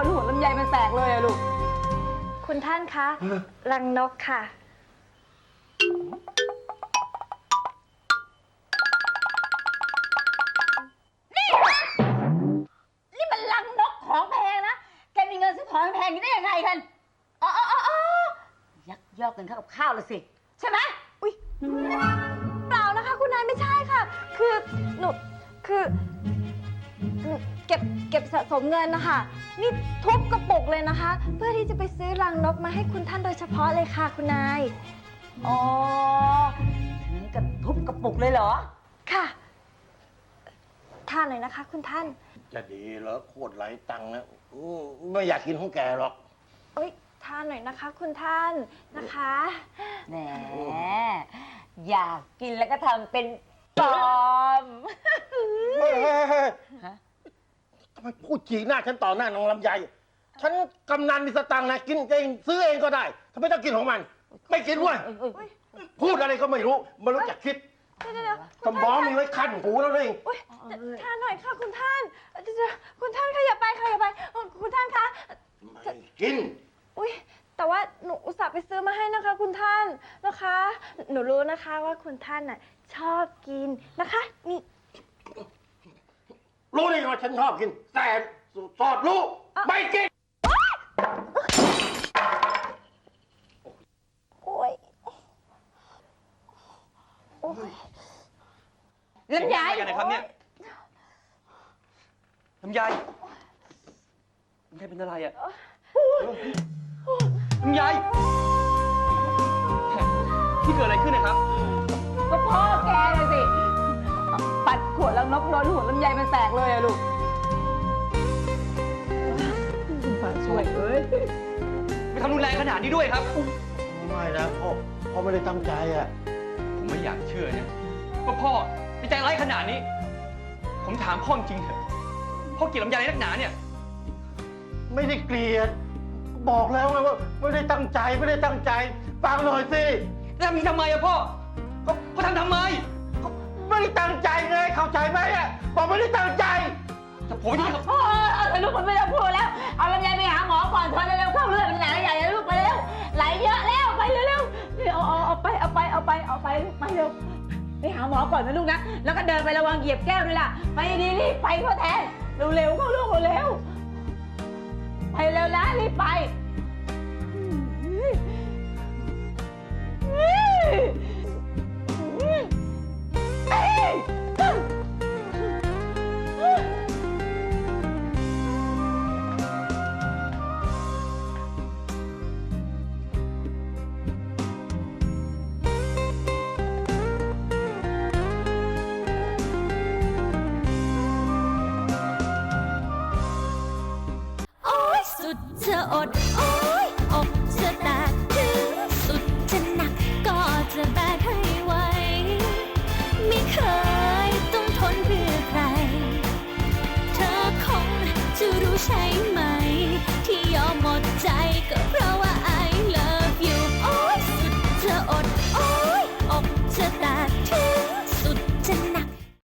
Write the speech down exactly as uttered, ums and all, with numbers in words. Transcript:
นหัวลำไยมันแตกเลยอะลูกคุณท่านคะรังนกค่ะนี่นี่มันรังนกของแพงนะแกมีเงินซื้อของแพงนี้ได้ยังไงกันอ๋ออ๋ออ๋อยักยอกเงินเข้ากับข้าวเลยสิใช่ไหมอุ้ยเปล่านะคะคุณนายไม่ใช่ค่ะคือหนูคือเก็บเก็บสะสมเงินนะคะนี่ทุบกระปุกเลยนะคะเพื่อที่จะไปซื้อรังนกมาให้คุณท่านโดยเฉพาะเลยค่ะคุณนายอ๋อถึงกับทุบกระปุกเลยเหรอค่ะทานหน่อยนะคะคุณท่านจะดีเหรอโคตรไหลตังค์นะไม่อยากกินของแกหรอกเอ้ยทานหน่อยนะคะคุณท่านนะคะแหมอยากกินแล้วก็ทำเป็นปลอมเฮ้ยทำไมพูดฉีกหน้าฉันต่อหน้าน้องลำไยฉันกำนันมีสตังค์นะกินเองซื้อเองก็ได้ทำไมต้องกินของมันไม่กินเว้ยพูดอะไรก็ไม่รู้ไม่รู้จักคิดสมองมีไว้คันหูแล้วเองทานหน่อยค่ะคุณท่านคุณท่านขยับไปขยับไปคุณท่านคะไม่กินอุ้ยแต่ว่าหนูอุตส่าห์ไปซื้อมาให้นะคะคุณท่านนะคะหนูรู้นะคะว่าคุณท่านน่ะชอบกินนะคะนี่รู้ได้ไงว่าฉันชอบกินแต่สอดรู้ไม่กินโอ้ยโอ้ยลำไยกันนะครับเนี่ยลำไยลำไยเป็นอะไรอ่ะลำไยที่เกิดอะไรขึ้นนะครับก็พ่อแกเลยสิปัดขวดแล้วนกโดนหัวลำไยมันแตกเลยอะลูกคุณฝ่าช่วยเอ้ยไม่ทำรุนแรงขนาดนี้ด้วยครับไม่นะพ่อพ่อไม่ได้ตั้งใจอ่ะผมไม่อยากเชื่อนะว่าพ่อใจร้ายขนาดนี้ผมถามพ่อจริงเถอะพ่อเกลียดลำไยอะไรนักหนาเนี่ยไม่ได้เกลียดบอกแล้วไงว่าไม่ได้ตั้งใจไม่ได้ตั้งใจฟังหน่อยสิแล้วทำทำไมอะพ่อก็พ่อทำทำไมไม่ได้ตั้งใจไงเข้าใจไหมอ่ะบอกไม่ได้ตั้งใจแต่ผมไม่ได้โอ้ยลูกมันไม่ต้องพูดแล้วเอาลำไยไปหาหมอก่อนทนเร็วเข้าเลือดมันไหลใหญ่แล้วลูกไปเร็วไหลเยอะแล้วไปเร็วๆเอาเอาเอาไปเอาไปเอาไปเอาไปไปเร็วไปหาหมอก่อนนะลูกนะแล้วก็เดินไประวังเหยียบแก้วด้วยล่ะไปดีรีบไปพ่อแทนเร็วๆเข้าลูกเร็วไปเร็วนะรีบไปสุดจะอด